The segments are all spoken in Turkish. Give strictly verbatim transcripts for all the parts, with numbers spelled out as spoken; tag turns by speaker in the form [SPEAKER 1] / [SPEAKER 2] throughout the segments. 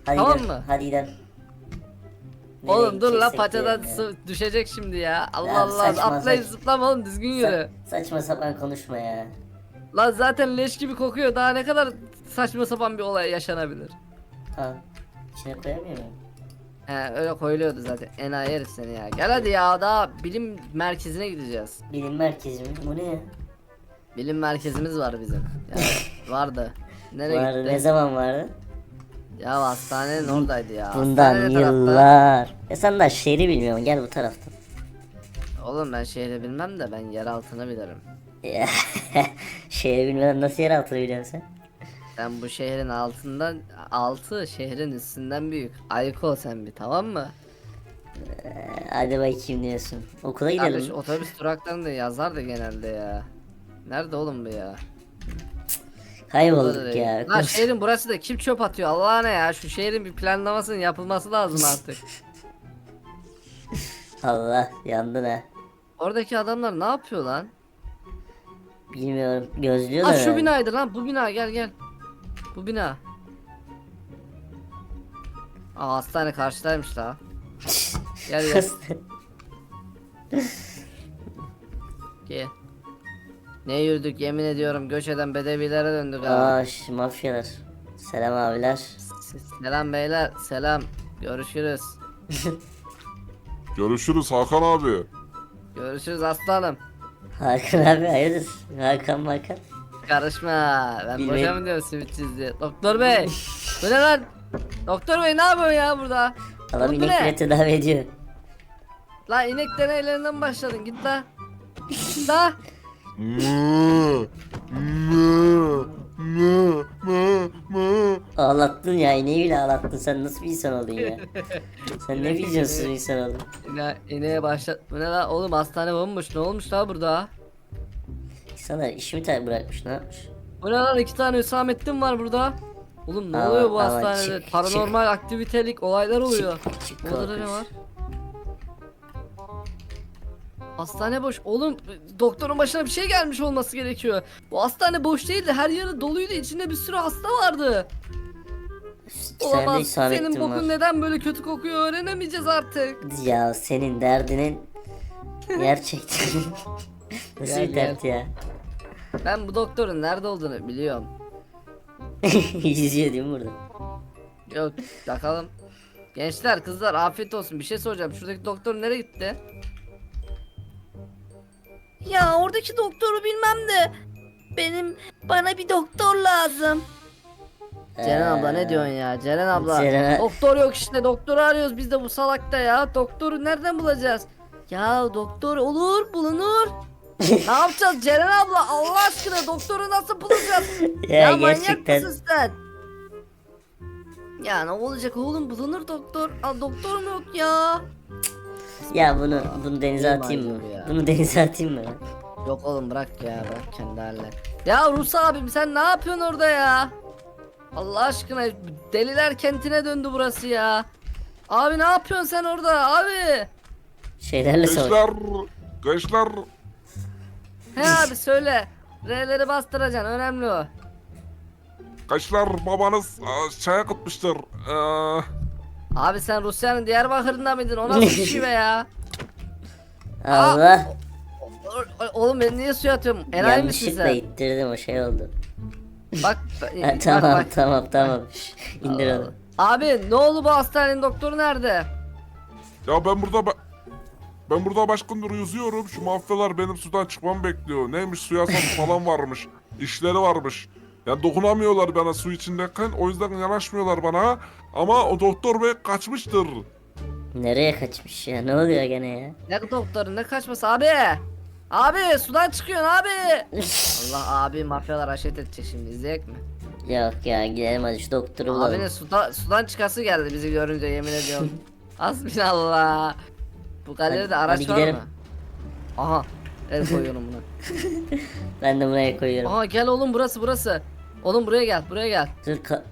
[SPEAKER 1] Hadi
[SPEAKER 2] Tamam
[SPEAKER 1] gidelim.
[SPEAKER 2] mı?
[SPEAKER 1] Hadi gidelim. Nereye
[SPEAKER 2] Oğlum dur la
[SPEAKER 1] gideceksek
[SPEAKER 2] paçadan
[SPEAKER 1] gidelim ya.
[SPEAKER 2] su düşecek şimdi ya. Allah
[SPEAKER 1] Ya
[SPEAKER 2] Allah
[SPEAKER 1] saçma
[SPEAKER 2] atlayıp
[SPEAKER 1] saç-
[SPEAKER 2] zıplama oğlum düzgün yürü.
[SPEAKER 1] Sa- saçma sapan konuşma ya.
[SPEAKER 2] Lan zaten leş gibi kokuyor. Daha ne kadar saçma sapan bir olay yaşanabilir.
[SPEAKER 1] Tamam. İçine koyamıyor muyum?
[SPEAKER 2] He öyle koyuluyordu zaten. Enayi herif seni ya. Gel hadi ya daha bilim merkezine gideceğiz.
[SPEAKER 1] Bilim merkezi mi? Bu ne ya?
[SPEAKER 2] Bilim merkezimiz var bizim. Yani vardı. Nereye
[SPEAKER 1] Vardı,
[SPEAKER 2] gitti?
[SPEAKER 1] ne zaman vardı?
[SPEAKER 2] Ya hastanenin oradaydı ya.
[SPEAKER 1] Bundan
[SPEAKER 2] Hastane ne tarafta?
[SPEAKER 1] yıllar. Ya sen daha şehri bilmiyorsun. Gel bu taraftan.
[SPEAKER 2] Oğlum ben şehri bilmem de ben yer altını bilirim.
[SPEAKER 1] Ya, şehri bilmeden nasıl yer altını biliyorsun sen?
[SPEAKER 2] Sen bu şehrin altından altı şehrin üstünden büyük. Ayık ol sen bir tamam mı?
[SPEAKER 1] Ee, Hadi bakayım diyorsun. Okula gidelim.
[SPEAKER 2] Kardeş otobüs duraklarında yazardı genelde ya. Nerede oğlum bu ya?
[SPEAKER 1] Kaybolduk ya.
[SPEAKER 2] Lan şehrin burası da kim çöp atıyor Allah'ına ya şu şehrin bir planlamasının yapılması lazım artık.
[SPEAKER 1] Allah yandın ha.
[SPEAKER 2] Oradaki adamlar ne yapıyor lan?
[SPEAKER 1] Bilmiyorum. Gözlüyorlar.
[SPEAKER 2] Aa şu
[SPEAKER 1] herhalde.
[SPEAKER 2] binaydı lan bu bina gel gel. Bu bina. Aa hastane karşıdaymış la. Gel gel gel. Ne yürüdük yemin ediyorum göç eden bedevilere döndük ha.
[SPEAKER 1] Aa şu mafyalar. Selam abiler.
[SPEAKER 2] Selam beyler selam. Görüşürüz.
[SPEAKER 3] Görüşürüz Hakan abi.
[SPEAKER 2] Görüşürüz aslanım.
[SPEAKER 1] Hakan abi hayırdır? Hakan Hakan.
[SPEAKER 2] Karışma. Ben
[SPEAKER 1] Bilmeyin.
[SPEAKER 2] boşa mı diyorum simitçiz diye. Doktor bey. Bu ne lan? Doktor bey ne yapıyorsun ya burada?
[SPEAKER 1] Adam
[SPEAKER 2] Oğlum bu
[SPEAKER 1] inek bile
[SPEAKER 2] ne?
[SPEAKER 1] tedavi ediyor.
[SPEAKER 2] Lan inek deneylerinden başladın git la. Git la.
[SPEAKER 3] Mı, mı, mı, mı, mı.
[SPEAKER 1] Ağlattın ya ineği bile ağlattın. Sen nasıl bir insan oldun ya? Sen ne vizyonsuz bir insan oldun.
[SPEAKER 2] İne, ineğe başlat. Bu ne la? Oğlum hastane bomboş. Ne olmuş la burada?
[SPEAKER 1] İnsanlar işimi ter bırakmış ne yapmış?
[SPEAKER 2] Bu ne lan? İki tane Hüsamettin var burada. Oğlum ne
[SPEAKER 1] Aman,
[SPEAKER 2] oluyor bu
[SPEAKER 1] aman,
[SPEAKER 2] hastanede?
[SPEAKER 1] çık,
[SPEAKER 2] Paranormal aktivitelik olaylar oluyor.
[SPEAKER 1] Çık, çık
[SPEAKER 2] Burada da ne
[SPEAKER 1] korkunç.
[SPEAKER 2] var? Hastane boş. Oğlum doktorun başına bir şey gelmiş olması gerekiyor. Bu hastane boş değildi. Her yeri doluydu. İçinde bir sürü hasta vardı.
[SPEAKER 1] İki tane de
[SPEAKER 2] Olamaz. Senin
[SPEAKER 1] isabetim
[SPEAKER 2] bokun
[SPEAKER 1] var.
[SPEAKER 2] neden böyle kötü kokuyor öğrenemeyeceğiz artık.
[SPEAKER 1] Ya senin derdinin gerçekten nasıl
[SPEAKER 2] Gel,
[SPEAKER 1] bir dert ya?
[SPEAKER 2] Ben bu doktorun nerede olduğunu biliyorum.
[SPEAKER 1] Yüzüyor değil mi burada?
[SPEAKER 2] Yok bakalım. Gençler kızlar afiyet olsun bir şey soracağım. Şuradaki doktor nereye gitti? Ya oradaki doktoru bilmem de benim bana bir doktor lazım. Ceren abla ne diyorsun ya? Ceren abla.
[SPEAKER 1] Ceren-
[SPEAKER 2] Doktor yok işte. Doktoru arıyoruz biz de bu salakta ya. Doktoru nereden bulacağız? Ya doktor olur bulunur. Ne yapacağız Ceren abla? Allah aşkına doktoru nasıl bulacağız?
[SPEAKER 1] Ya,
[SPEAKER 2] Ya manyak
[SPEAKER 1] gerçekten
[SPEAKER 2] mısın sen? Ya ne olacak oğlum bulunur doktor. Aa, doktor mu yok ya?
[SPEAKER 1] ya bunu bunu denize
[SPEAKER 2] İyi
[SPEAKER 1] atayım mı?
[SPEAKER 2] manyak ya.
[SPEAKER 1] Bunu denize atayım mı?
[SPEAKER 2] Yok oğlum bırak ya bırak kendi haline. Ya Rus abim sen ne yapıyorsun orada ya? Allah aşkına deliler kentine döndü burası ya. Abi ne yapıyorsun sen orada abi?
[SPEAKER 1] Şeylerle savaş.
[SPEAKER 3] Gençler, gençler.
[SPEAKER 2] He abi söyle. R'leri bastıracaksın önemli o.
[SPEAKER 3] Gençler babanız aa, şeye gitmiştir. Ee,
[SPEAKER 2] Abi sen Rusya'nın Diyarbakır'ında mıydın? O nasıl bir şey be ya?
[SPEAKER 1] Allah.
[SPEAKER 2] O- o- Oğlum ben niye suya atıyorum? Enayi misin
[SPEAKER 1] Yanlışlıkla
[SPEAKER 2] sen?
[SPEAKER 1] ittirdim o şey oldu.
[SPEAKER 2] Bak,
[SPEAKER 1] Ha,
[SPEAKER 2] bak
[SPEAKER 1] tamam
[SPEAKER 2] bak.
[SPEAKER 1] tamam tamam. Şş, İndir onu.
[SPEAKER 2] Abi ne oldu bu hastanenin doktoru nerede?
[SPEAKER 3] ya ben burada ba- ben burada baş gündür yüzüyorum. Şu mafyalar benim sudan çıkmamı bekliyor. Neymiş suya sap falan varmış. İşleri varmış. Yani dokunamıyorlar bana su içindeyken. O yüzden yanaşmıyorlar bana. Ama o doktor bey kaçmıştır.
[SPEAKER 1] Nereye kaçmış ya? Ne oluyor gene ya?
[SPEAKER 2] Ne doktoru ne kaçması abi? Abi sudan çıkıyorsun abi. Allah abi mafyalar haşet edecek şimdi izleyek mi?
[SPEAKER 1] Yok ya gidelim hadi şu doktoru bulalım.
[SPEAKER 2] Abinin suda, sudan çıkası geldi bizi görünce yemin ediyorum. Hasbinallah. Bu galeride
[SPEAKER 1] Hadi-
[SPEAKER 2] araç
[SPEAKER 1] hadi
[SPEAKER 2] var
[SPEAKER 1] gidelim.
[SPEAKER 2] mı? Aha. El koyuyorum buna.
[SPEAKER 1] Ben de buraya koyuyorum.
[SPEAKER 2] Aha gel oğlum burası burası. Oğlum buraya gel buraya gel.
[SPEAKER 1] Dur ka-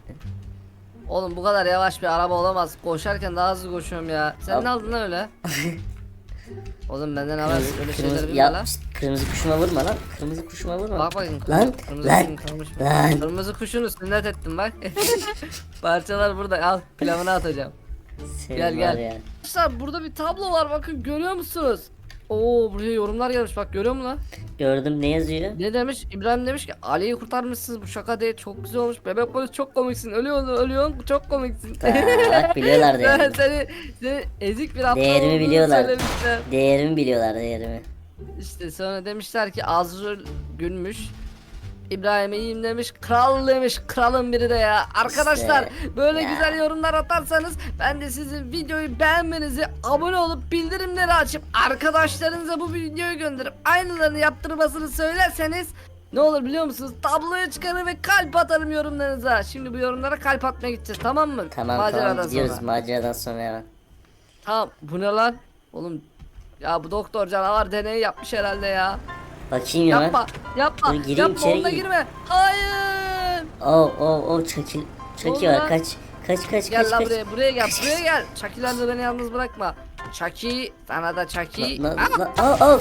[SPEAKER 2] Oğlum bu kadar yavaş bir araba olamaz. Koşarken daha hızlı koşuyorum ya. Sen
[SPEAKER 1] Al.
[SPEAKER 2] ne aldın lan öyle? Oğlum benden haber
[SPEAKER 1] Kırmızı,
[SPEAKER 2] öyle şeyler
[SPEAKER 1] kırmızı,
[SPEAKER 2] bilme
[SPEAKER 1] ya,
[SPEAKER 2] lan.
[SPEAKER 1] şşt, kırmızı kuşuma vurma lan. Kırmızı kuşuma vurma.
[SPEAKER 2] Bak bakayım.
[SPEAKER 1] Lan,
[SPEAKER 2] kırmızı
[SPEAKER 1] lan,
[SPEAKER 2] kuşun kalmış mı?
[SPEAKER 1] lan.
[SPEAKER 2] Kırmızı kuşunu sünnet ettim bak. Parçalar burada, al pilavını atacağım.
[SPEAKER 1] Senin
[SPEAKER 2] Gel,
[SPEAKER 1] var
[SPEAKER 2] gel.
[SPEAKER 1] ya.
[SPEAKER 2] Arkadaşlar burada bir tablo var, bakın görüyor musunuz? Oo, buraya yorumlar gelmiş, bak görüyor musun lan?
[SPEAKER 1] Gördüm, ne yazıyor?
[SPEAKER 2] Ne demiş? İbrahim demiş ki Ali'yi kurtarmışsınız, bu şaka değil, çok güzel olmuş. Bebek polis çok komiksin, ölüyorsun ölüyorsun çok komiksin.
[SPEAKER 1] Ta, bak biliyorlar
[SPEAKER 2] Ben
[SPEAKER 1] değerimi.
[SPEAKER 2] seni, seni ezik bir aptal
[SPEAKER 1] Değerimi
[SPEAKER 2] olduğunu
[SPEAKER 1] biliyorlar.
[SPEAKER 2] söylemişler.
[SPEAKER 1] Değerimi biliyorlar, değerimi.
[SPEAKER 2] İşte sonra demişler ki Azrul gülmüş. İbrahim iyiyim demiş, kral demiş, kralın biri de ya. Arkadaşlar
[SPEAKER 1] İşte,
[SPEAKER 2] böyle
[SPEAKER 1] ya.
[SPEAKER 2] güzel yorumlar atarsanız ben de sizin videoyu beğenmenizi, abone olup bildirimleri açıp arkadaşlarınıza bu videoyu gönderip aynılarını yaptırmasını söylerseniz ne olur biliyor musunuz? Tabloya çıkarır ve kalp atarım yorumlarınıza. Şimdi bu yorumlara kalp atmaya gideceğiz, tamam mı?
[SPEAKER 1] Tamam
[SPEAKER 2] Maceradan
[SPEAKER 1] tamam gidiyoruz
[SPEAKER 2] sonra.
[SPEAKER 1] maceradan sonra hemen.
[SPEAKER 2] Tamam, bu ne lan? Oğlum ya bu doktor canavar deneyi yapmış herhalde ya.
[SPEAKER 1] Bakayım hemen.
[SPEAKER 2] Yapma, yapma,
[SPEAKER 1] Dur, gireyim,
[SPEAKER 2] yapma,
[SPEAKER 1] içeri
[SPEAKER 2] onunla
[SPEAKER 1] gireyim.
[SPEAKER 2] girme. Hayır.
[SPEAKER 1] Oh oh oh çakil. Çaki
[SPEAKER 2] Oldu
[SPEAKER 1] var
[SPEAKER 2] lan.
[SPEAKER 1] kaç. Kaç kaç
[SPEAKER 2] Gel
[SPEAKER 1] kaç
[SPEAKER 2] lan
[SPEAKER 1] kaç.
[SPEAKER 2] buraya, buraya gel, buraya gel. Çakiler de beni yalnız bırakma. Çaki, sana da Çaki.
[SPEAKER 1] Lan,
[SPEAKER 2] Ah,
[SPEAKER 1] lan, oh, oh.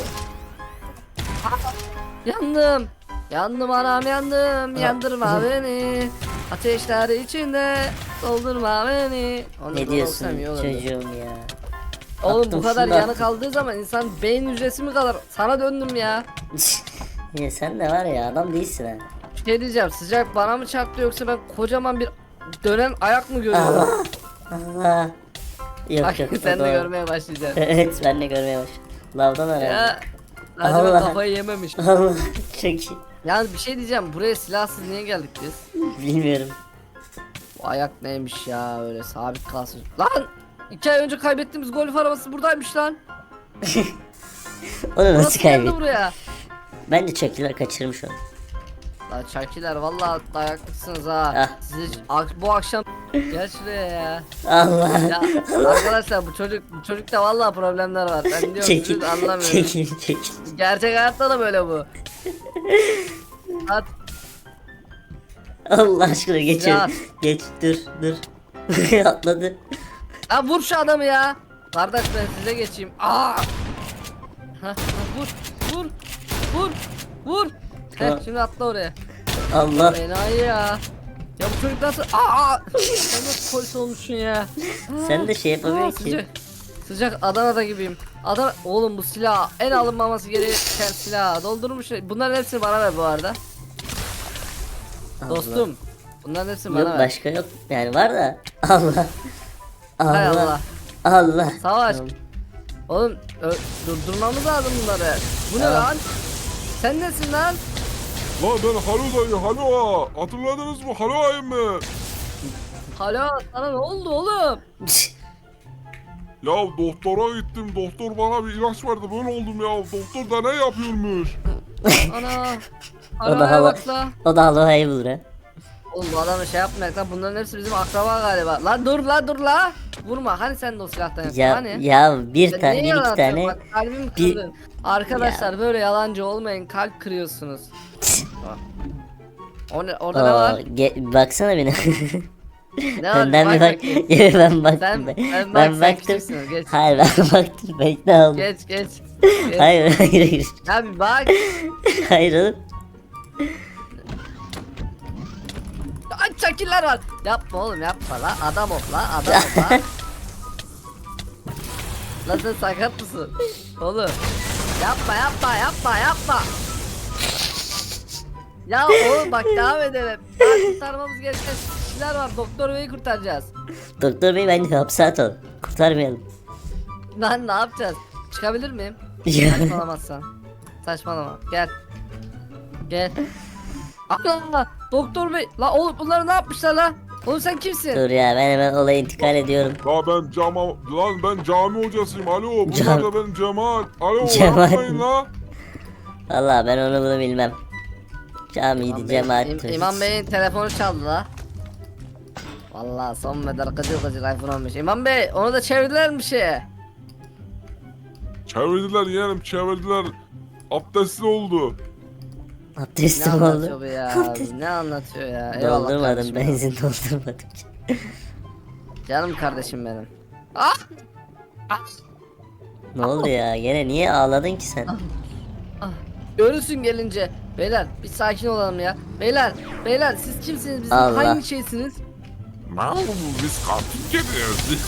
[SPEAKER 2] yandım. Yandım anam yandım. Yandırma beni. Ateşler içinde doldurma beni. Onu
[SPEAKER 1] Ne
[SPEAKER 2] da
[SPEAKER 1] diyorsun
[SPEAKER 2] olsam iyi olurdu.
[SPEAKER 1] çocuğum ya.
[SPEAKER 2] Oğlum
[SPEAKER 1] Attım,
[SPEAKER 2] bu kadar
[SPEAKER 1] şunu da
[SPEAKER 2] yanı
[SPEAKER 1] attım.
[SPEAKER 2] kaldığı zaman insan beyin hücresi mi kalır? Sana döndüm ya.
[SPEAKER 1] Ya sen de var ya adam değilsin ha.
[SPEAKER 2] Bir şey diyeceğim, sıcak bana mı çarptı yoksa ben kocaman bir dönen ayak mı görüyorum?
[SPEAKER 1] Allah. Allah. Yok
[SPEAKER 2] Bak
[SPEAKER 1] yok. o
[SPEAKER 2] sen de
[SPEAKER 1] doğru.
[SPEAKER 2] görmeye başlayacaksın.
[SPEAKER 1] Evet ben de görmeye başladım. Lavdan herhalde.
[SPEAKER 2] Ya acaba
[SPEAKER 1] Allah.
[SPEAKER 2] kafayı yememiş.
[SPEAKER 1] Allah çok iyi.
[SPEAKER 2] Yalnız bir şey diyeceğim, buraya silahsız niye geldik biz?
[SPEAKER 1] Bilmiyorum.
[SPEAKER 2] Bu ayak neymiş ya, öyle sabit kalsın. Lan! iki ay önce kaybettiğimiz golf arabası buradaymış lan.
[SPEAKER 1] Onu nasıl
[SPEAKER 2] Nasıl geldi
[SPEAKER 1] kaybettin?
[SPEAKER 2] buraya?
[SPEAKER 1] Bence çakiler kaçırmış onu.
[SPEAKER 2] Lan çakiler vallahi dayaklısınız ha.
[SPEAKER 1] Ah.
[SPEAKER 2] Sizi ak- bu akşam gel şuraya ya.
[SPEAKER 1] Allah.
[SPEAKER 2] Ya arkadaşlar bu çocuk bu çocukta vallahi problemler var. Ben diyorum
[SPEAKER 1] Çekil.
[SPEAKER 2] siz anlamıyorum.
[SPEAKER 1] Çekil çekil.
[SPEAKER 2] Gerçek hayatta da böyle bu. At.
[SPEAKER 1] Allah aşkına geç.
[SPEAKER 2] Ya.
[SPEAKER 1] Geç dur dur. Atladı.
[SPEAKER 2] Ha vur şu adamı ya. Kardeş ben size geçeyim. Aa! Ha, ha, vur, vur, vur, vur. Heh,
[SPEAKER 1] Tamam.
[SPEAKER 2] şimdi atla oraya.
[SPEAKER 1] Allah.
[SPEAKER 2] Enayi ya. Ya bu çocuk nasıl? Aa! Sen nasıl polis olmuşsun ya?
[SPEAKER 1] Sen de şey
[SPEAKER 2] Aa,
[SPEAKER 1] yapamıyorsun ki.
[SPEAKER 2] sıcak, sıcak Adana'da gibiyim. Adam, oğlum bu silah en alınmaması gereken silah. Doldurmuş. Bunların hepsini bana ver bu arada.
[SPEAKER 1] Allah.
[SPEAKER 2] Dostum. Bunların hepsini
[SPEAKER 1] Yok
[SPEAKER 2] bana ver.
[SPEAKER 1] başka yok. Yani var da. Allah.
[SPEAKER 2] Hay
[SPEAKER 1] Allah.
[SPEAKER 2] Allah.
[SPEAKER 1] Allah.
[SPEAKER 2] Savaş.
[SPEAKER 1] Tamam.
[SPEAKER 2] Oğlum ö- durdurmamız lazım bunları. Bu ne
[SPEAKER 1] Tamam.
[SPEAKER 2] lan? Sen nesin lan?
[SPEAKER 3] Lan ben Halo dayı Halo. Hatırladınız mı? Halo ayım mı?
[SPEAKER 2] Alo, sana ne oldu oğlum?
[SPEAKER 3] Ya doktora gittim. Doktor bana bir ilaç verdi. Böyle oldum ya. Doktor da ne yapıyormuş?
[SPEAKER 2] Ana.
[SPEAKER 1] O da
[SPEAKER 2] Arabaya
[SPEAKER 1] hava.
[SPEAKER 2] bak la.
[SPEAKER 1] O da Allah'ı bulur ha.
[SPEAKER 2] Oğlum bu adamı şey yapmayak lan, bunların hepsi bizim akraba galiba. Lan dur la dur la. Vurma, hani sen de o silahtan yaptın
[SPEAKER 1] Ya
[SPEAKER 2] hani?
[SPEAKER 1] ya bir
[SPEAKER 2] Sen
[SPEAKER 1] tane
[SPEAKER 2] niye
[SPEAKER 1] bir
[SPEAKER 2] yalan
[SPEAKER 1] iki
[SPEAKER 2] atıyorsun?
[SPEAKER 1] tane.
[SPEAKER 2] Bak, kalbimi
[SPEAKER 1] bir-
[SPEAKER 2] kırdın. Arkadaşlar böyle yalancı olmayın, kalp kırıyorsunuz. O ne, orada ne
[SPEAKER 1] Oo,
[SPEAKER 2] var?
[SPEAKER 1] ge- baksana beni.
[SPEAKER 2] Ne var?
[SPEAKER 1] Önden bir bak.
[SPEAKER 2] bakayım.
[SPEAKER 1] ben baktım.
[SPEAKER 2] Sen-
[SPEAKER 1] ben,
[SPEAKER 2] sen bak,
[SPEAKER 1] ben
[SPEAKER 2] sen
[SPEAKER 1] baktım.
[SPEAKER 2] küçüksün, geç.
[SPEAKER 1] Hayır ben baktım. Ben ikna oldum.
[SPEAKER 2] Geç geç. geç.
[SPEAKER 1] Hayır hayır hayır.
[SPEAKER 2] Ya bir bak.
[SPEAKER 1] Hayır oğlum.
[SPEAKER 2] Ay çakiller var. Yapma oğlum yapma la. Adam ol la. Adam ol la. Lan sen sakat mısın? Oğlum. Yapma yapma yapma yapma. Ya oğlum bak devam edelim. Daha kurtarmamız gereken kişiler var. Doktor Bey'i kurtaracağız.
[SPEAKER 1] Doktor bey bence hapse atalım. Kurtarmayalım.
[SPEAKER 2] Lan ne yapacağız? Çıkabilir miyim?
[SPEAKER 1] Ya.
[SPEAKER 2] Saçmalamazsan. Saçmalama. Gel. Gel. Allah! Doktor Bey. La oğlum bunları ne yapmışlar la? Oğlum sen kimsin?
[SPEAKER 1] Dur ya ben hemen olaya intikal ediyorum.
[SPEAKER 3] Ya ben cama... Lan ben cami hocasıyım. Alo. Bunlar
[SPEAKER 1] Cam-
[SPEAKER 3] da benim Cemal. Alo.
[SPEAKER 1] Cemal.
[SPEAKER 3] Yapmayın la.
[SPEAKER 1] Valla ben onu bunu bilmem. Camiydi
[SPEAKER 2] İmam Bey-
[SPEAKER 1] cemaat.
[SPEAKER 2] İm- İmam Bey'in telefonu çaldı la. Vallahi son model gıcır gıcır iPhone olmuş. İmam Bey onu da çevirdiler mi şeye?
[SPEAKER 3] Çevirdiler yeğenim çevirdiler. Abdestli oldu.
[SPEAKER 2] Ne
[SPEAKER 1] Abdestim
[SPEAKER 2] anlatıyor
[SPEAKER 1] oldu.
[SPEAKER 2] bu ya? Ne anlatıyor ya? Eyvallah
[SPEAKER 1] Doldurmadım
[SPEAKER 2] kardeşim ya.
[SPEAKER 1] benzin doldurmadım.
[SPEAKER 2] Canım kardeşim benim. Ah!
[SPEAKER 1] Ne oldu ya? Gene niye ağladın ki sen?
[SPEAKER 2] Ah, görürsün gelince. Beyler bir sakin olalım ya. Beyler, beyler siz kimsiniz? Bizim
[SPEAKER 1] Allah.
[SPEAKER 2] hangi şeysiniz?
[SPEAKER 3] Lan biz katil geliyoruz.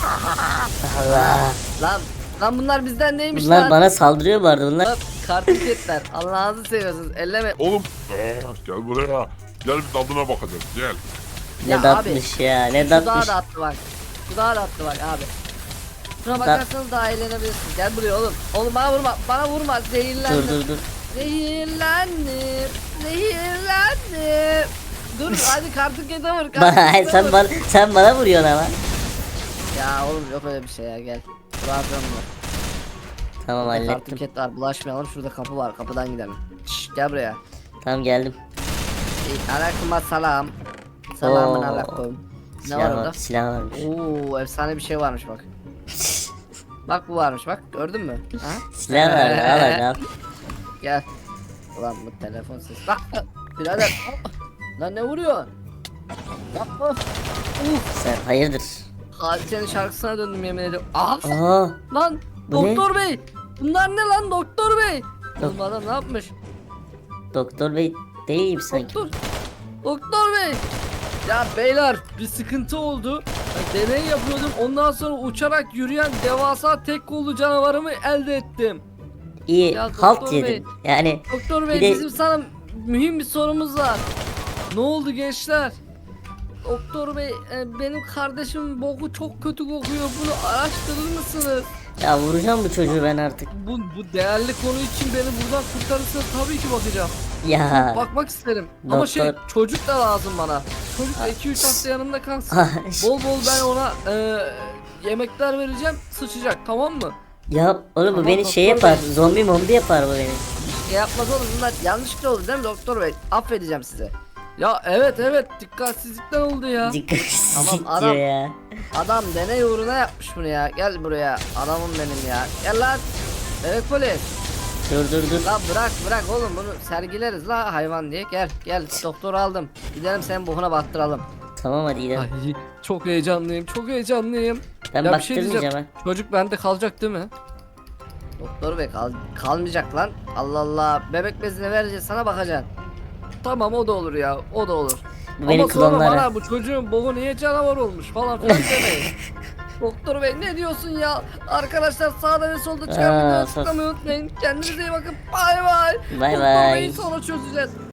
[SPEAKER 1] Allah.
[SPEAKER 2] Lan, lan bunlar bizden neymiş
[SPEAKER 1] Bunlar
[SPEAKER 2] lan?
[SPEAKER 1] bana saldırıyor bu arada bunlar.
[SPEAKER 2] Lan kartiketler. Allah'ınızı seviyorsunuz. Elleme.
[SPEAKER 3] Oğlum gel buraya. Gel bir tadına bakacağız gel.
[SPEAKER 1] Ne
[SPEAKER 2] Ya
[SPEAKER 1] datmış ya ne
[SPEAKER 2] Şu dağa
[SPEAKER 1] datmış.
[SPEAKER 2] da attı bak. Şu dağa da attı bak abi. Şuna bakarsanız daha eğlenebilirsiniz. Gel buraya oğlum. Oğlum bana vurma. Bana vurma. Zehirlendim.
[SPEAKER 1] Dur dur dur.
[SPEAKER 2] Zehirlendim. Zehirlendim. Dur hadi kartikete vur.
[SPEAKER 1] Bana,
[SPEAKER 2] kartikete
[SPEAKER 1] sen
[SPEAKER 2] vur.
[SPEAKER 1] bana sen bana vuruyorsun ama.
[SPEAKER 2] Ya oğlum yok öyle bir şey ya gel. Bırakıyorum bunu.
[SPEAKER 1] Tamam
[SPEAKER 2] Burada
[SPEAKER 1] hallettim.
[SPEAKER 2] kartiket var bulaşmayalım. Şurada kapı var. Kapıdan gidelim. Şşş gel buraya.
[SPEAKER 1] Tamam geldim.
[SPEAKER 2] Aleyküm selam. Selamun
[SPEAKER 1] Oo.
[SPEAKER 2] aleyküm. Ne
[SPEAKER 1] Silah
[SPEAKER 2] var
[SPEAKER 1] var,
[SPEAKER 2] orada?
[SPEAKER 1] silah varmış.
[SPEAKER 2] Oo efsane bir şey varmış bak. Bak bu varmış bak gördün mü? Ha?
[SPEAKER 1] Silah var al hadi al.
[SPEAKER 2] Gel. Ulan bu telefon sesi. Bak birader. Lan ne vuruyor? Yapma. Uf.
[SPEAKER 1] Sen hayırdır?
[SPEAKER 2] Hadisenin şarkısına döndüm yemin ediyorum. Aha.
[SPEAKER 1] Aa
[SPEAKER 2] Lan
[SPEAKER 1] Bu ne?
[SPEAKER 2] doktor bey. Bunlar ne lan doktor bey?
[SPEAKER 1] Dok-
[SPEAKER 2] Oğlum adam ne yapmış?
[SPEAKER 1] doktor bey değil mi sanki?
[SPEAKER 2] Doktor. Doktor bey. Ya beyler bir sıkıntı oldu. Ben deney yapıyordum. Ondan sonra uçarak yürüyen devasa tek kollu canavarımı elde ettim.
[SPEAKER 1] İyi
[SPEAKER 2] Ya
[SPEAKER 1] halt
[SPEAKER 2] doktor
[SPEAKER 1] yedin.
[SPEAKER 2] bey.
[SPEAKER 1] Yani
[SPEAKER 2] Doktor bey
[SPEAKER 1] Bir de-
[SPEAKER 2] bizim sana mühim bir sorumuz var. Ne oldu gençler? Doktor bey e, benim kardeşim boku çok kötü kokuyor. Bunu araştırır mısınız?
[SPEAKER 1] ya vuracağım bu çocuğu ben artık.
[SPEAKER 2] Bu, bu değerli konu için beni buradan kurtarırsanız tabii ki bakacağım.
[SPEAKER 1] Ya.
[SPEAKER 2] Bakmak isterim. Ama şey
[SPEAKER 1] Doktor-
[SPEAKER 2] çocuk da lazım bana. Çocuk da iki üç hafta yanımda kalsın.
[SPEAKER 1] Ah,
[SPEAKER 2] Bol bol ben ona e, yemekler vereceğim. Sıçacak tamam mı?
[SPEAKER 1] ya oğlum bu
[SPEAKER 2] Tamam,
[SPEAKER 1] beni şey
[SPEAKER 2] doktor
[SPEAKER 1] yapar. Zombi mombi yapar bu beni.
[SPEAKER 2] Şey yapmaz oğlum bunlar yanlışlıkla oldu değil mi doktor bey? Affedeceğim size. Ya evet evet dikkatsizlikten oldu ya.
[SPEAKER 1] Dikkatsizlik
[SPEAKER 2] Tamam,
[SPEAKER 1] diyor
[SPEAKER 2] adam-
[SPEAKER 1] ya.
[SPEAKER 2] Adam deney uğruna yapmış bunu ya. Gel buraya adamım benim ya. Gel lan. Evet polis.
[SPEAKER 1] Dur dur dur.
[SPEAKER 2] La bırak bırak oğlum bunu sergileriz la hayvan diye. Gel gel doktor aldım. Gidelim senin bokuna battıralım.
[SPEAKER 1] Tamam hadi gidelim.
[SPEAKER 2] Ay çok heyecanlıyım çok heyecanlıyım.
[SPEAKER 1] Ben
[SPEAKER 2] Ya bir şey
[SPEAKER 1] baktırmayacağım
[SPEAKER 2] diyeceğim.
[SPEAKER 1] ha.
[SPEAKER 2] Çocuk bende kalacak değil mi? Doktor bey kal kalmayacak lan. Allah Allah bebek bezini vereceğiz sana bakacaksın. Tamam o da olur ya o da olur.
[SPEAKER 1] Bu beni
[SPEAKER 2] Ama sonra
[SPEAKER 1] klonlara.
[SPEAKER 2] bana bu çocuğun boğu niye canavar olmuş falan filan demeyin. Doktor bey ne diyorsun ya? Arkadaşlar sağda ve solda çıkan
[SPEAKER 1] Aa,
[SPEAKER 2] videoyu
[SPEAKER 1] sos.
[SPEAKER 2] tıklamayı unutmayın. Kendinize iyi bakın. Bay bay.
[SPEAKER 1] Bay
[SPEAKER 2] Doktor
[SPEAKER 1] bay.
[SPEAKER 2] beyi sonra çözeceğiz.